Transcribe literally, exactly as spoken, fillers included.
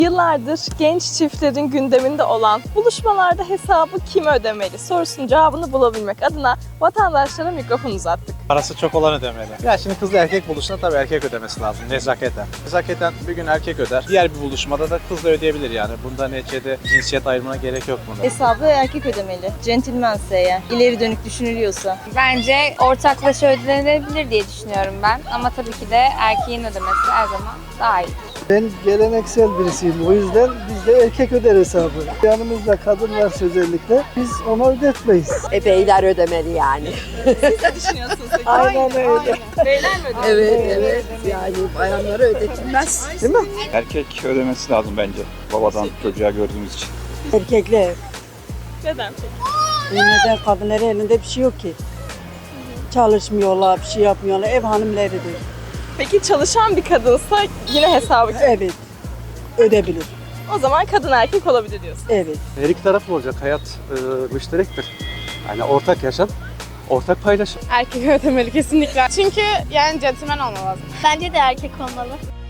Yıllardır genç çiftlerin gündeminde olan buluşmalarda hesabı kim ödemeli sorusunun cevabını bulabilmek adına vatandaşlara mikrofon uzattık. Parası çok olan ödemeli. Ya şimdi kızla erkek buluştuğunda tabii erkek ödemesi lazım nezaketen. Nezaketen bir gün erkek öder. Diğer bir buluşmada da kız da ödeyebilir yani. Bunda neticede cinsiyet ayrımına gerek yok bunda. Hesabı erkek ödemeli. Centilmense eğer, ileri dönük düşünülüyorsa. Bence ortaklaşa ödenebilir diye düşünüyorum ben. Ama tabii ki de erkeğin ödemesi her zaman daha iyi. Ben geleneksel birisiyim. O yüzden biz de erkek öder hesabı. Yanımızda kadın varsa özellikle biz ona ödetmeyiz. E beyler ödemeli yani. Siz ne düşünüyorsunuz peki? Aynen öyle. Beyler mi ödemeli? Evet evet. Yani bayanlara ödetilmez. Değil mi? Erkek ödemesi lazım bence. Babadan çocuğa gördüğümüz için. Erkekler. Neden peki? Neden kadınların elinde bir şey yok ki. Çalışmıyorlar, bir şey yapmıyorlar. Ev hanımlarıdır. Peki çalışan bir kadınsa yine hesabı kim? Evet. Ödebilir. O zaman kadın erkek olabilir diyorsun. Evet. Her iki taraflı olacak. Hayat e, müşterektir. Yani ortak yaşam, ortak paylaşım. Erkek ödemeli kesinlikle. Çünkü yani centilmen olmalı lazım. Bence de erkek olmalı.